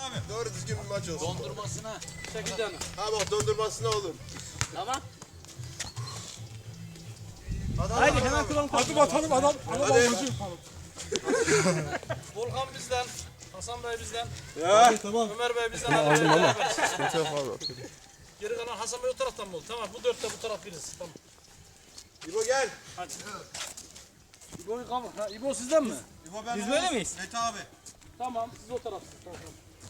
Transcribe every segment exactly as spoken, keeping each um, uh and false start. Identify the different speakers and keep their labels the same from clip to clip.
Speaker 1: abi. Doğru düzgün bir maç olsun.
Speaker 2: Dondurmasına. sekiz tane.
Speaker 1: Ha bak dondurmasına olur.
Speaker 2: Tamam.
Speaker 3: Haydi hemen kıvam
Speaker 4: Hadi bakalım adam.
Speaker 1: Hadi.
Speaker 5: Volkan bizden, Hasan Bey bizden,
Speaker 1: Ya.
Speaker 4: Tamam.
Speaker 5: Ömer Bey bizden. Aldım ama.
Speaker 1: Tamam.
Speaker 5: Geri kalan Hasan Bey o taraftan mı oldu? Tamam bu dörtte bu taraf biriz. Tamam.
Speaker 1: İbo gel.
Speaker 5: İbo, ha, İbo sizden mi?
Speaker 1: İbo ben.
Speaker 3: Biz böyle miyiz?
Speaker 1: Mete abi.
Speaker 5: Tamam siz o tarafsınız. Tamam.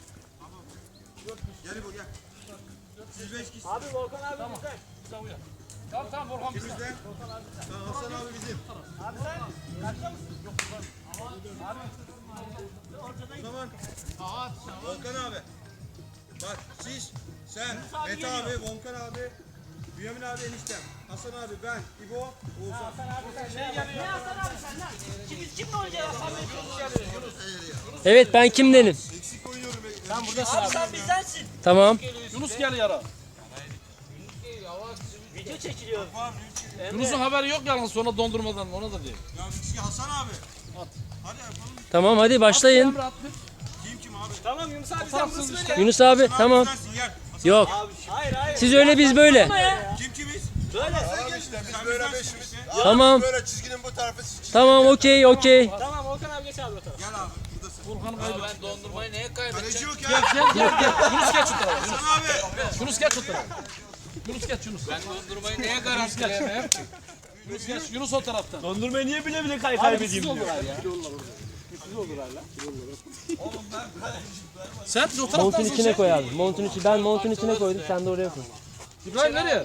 Speaker 1: Gel İbo gel. Siz beş kişi.
Speaker 3: Abi Volkan abi
Speaker 5: Tamam.
Speaker 3: bizden.
Speaker 5: Sen uyan. Tamam tamam Volkan bizden.
Speaker 1: Bizden. Tamam Hasan abi bizim.
Speaker 3: Abi sen kaçta mısın?
Speaker 1: O zaman. Volkan abi. Bak siz, sen,
Speaker 3: abi
Speaker 1: Mete
Speaker 3: geliyor.
Speaker 1: abi, Volkan abi, Bünyamin abi eniştem, Hasan abi, ben, İbo, Oğuzhan.
Speaker 3: Hasan abi sen şey geliyor. Ne Hasan abi sen lan? Kim kimle oynayacağız Hasan Bey?
Speaker 6: Evet, ben kimdenim?
Speaker 1: Eksik oynuyorum.
Speaker 3: Sen buradasın abi. Sen bizdensin.
Speaker 6: Tamam.
Speaker 5: Yunus gel yara.
Speaker 3: Video çekiliyor.
Speaker 5: Yunus'un haberi yok yalnız sonra dondurmadan ona da değil.
Speaker 1: Ya bir kişi Hasan abi.
Speaker 5: At.
Speaker 1: Hadi yapalım.
Speaker 6: Tamam, hadi başlayın.
Speaker 5: Emre at bir.
Speaker 1: Kim kim abi?
Speaker 3: Tamam Yunus abi sen
Speaker 5: Fotoğrafsız
Speaker 3: burası
Speaker 5: işte.
Speaker 3: böyle.
Speaker 6: Yunus abi, tamam.
Speaker 1: Sensin, gel. Hasan
Speaker 6: Yok.
Speaker 3: Hayır hayır.
Speaker 6: Siz öyle, biz böyle.
Speaker 1: Kim kimiz?
Speaker 3: Böyle.
Speaker 1: Sen gel işte biz böyle beşimiz.
Speaker 6: Tamam.
Speaker 1: Böyle çizginin bu tarafı siz.
Speaker 6: Tamam, okey, okey.
Speaker 3: Tamam Volkan abi geç abi o tarafa.
Speaker 1: Gel abi buradasın.
Speaker 5: Volkan'ı kaybet. Ben dondurmayı neye
Speaker 1: Kaleci
Speaker 5: kaybedeceğim?
Speaker 1: yok ya.
Speaker 5: Gel gel gel gel. Yunus geç şu tarafa. Yunus,
Speaker 1: Hasan abi.
Speaker 5: Yunus geç şu tarafa. Yunus geç Yunus. Ben dondurmayı neye garantileyemem? Yunus geç. Yunus o taraftan.
Speaker 3: Dondurmayı niye bile bile kay kaybedeyim diyor.
Speaker 5: Sen o
Speaker 6: Montun
Speaker 5: taraftansın
Speaker 6: içine
Speaker 5: sen.
Speaker 6: koy abi. Montun içi, ben montun içine koydum, sen de oraya koy.
Speaker 5: İbrahim nereye?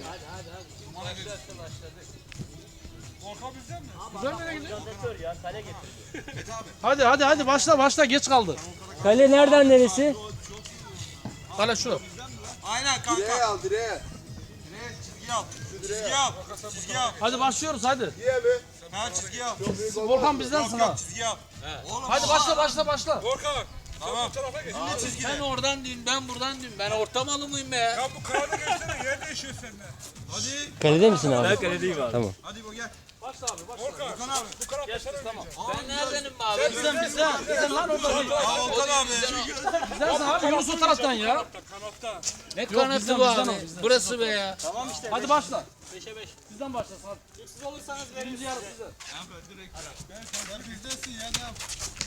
Speaker 5: İbrahim nereye gidiyor?
Speaker 3: Jeneratör ya kale getir.
Speaker 5: Hadi hadi hadi başla başla geç kaldı.
Speaker 6: Kale nereden neresi?
Speaker 5: Kale şu.
Speaker 1: Aynen kanka. Direğe al direğe. Direğe çizgi al. Çizgi al. Çizgi al.
Speaker 5: Hadi başlıyoruz hadi.
Speaker 1: Diye mi? Ha çizgi al.
Speaker 5: Volkan bizdensin
Speaker 1: Yok
Speaker 5: ha.
Speaker 1: yok çizgi al. Oğlum.
Speaker 5: Hadi başla başla başla.
Speaker 1: Volkan. Tamam. Şimdi çizgi.
Speaker 2: Sen oradan dün ben buradan dün. Ben orta malı mıyım be ya?
Speaker 4: Ya bu kağıda geçsene yer değişiyor seninle.
Speaker 1: Hadi.
Speaker 6: Kalede misin abi?
Speaker 3: Ben kaledeyim abi.
Speaker 6: Tamam.
Speaker 1: Hadi bu gel.
Speaker 5: Başla abi başla.
Speaker 1: Volkan abi.
Speaker 4: Bu kanatla sen
Speaker 5: Tamam.
Speaker 2: Ben neredenim be abi?
Speaker 5: Bizden bizden. Bizden lan orada değil.
Speaker 1: Aa Volkan abi.
Speaker 5: Bizdensin abi Yunus o taraftan ya.
Speaker 4: kanatta.
Speaker 2: Ne
Speaker 5: bizden,
Speaker 2: kanatı bu
Speaker 5: bizden
Speaker 2: abi?
Speaker 5: o, bizden.
Speaker 2: Burası be ya.
Speaker 3: Tamam işte.
Speaker 5: Hadi başla.
Speaker 3: beşe beş.
Speaker 5: Bizden başlasın hadi.
Speaker 3: Siz olursanız verin.
Speaker 5: Birinci yarı size.
Speaker 1: Sen bizdesin ya ne yap?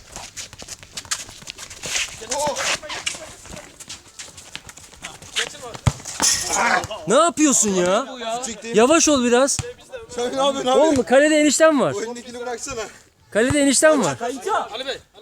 Speaker 6: Ne yapıyorsun ya? Yavaş ol biraz.
Speaker 1: Sen ne yapıyorsun abi?
Speaker 6: Oğlum kalede eniştem var.
Speaker 1: O elindekini bıraksana.
Speaker 6: Kalede eniştem var.
Speaker 3: Kayıta.
Speaker 5: Ali Bey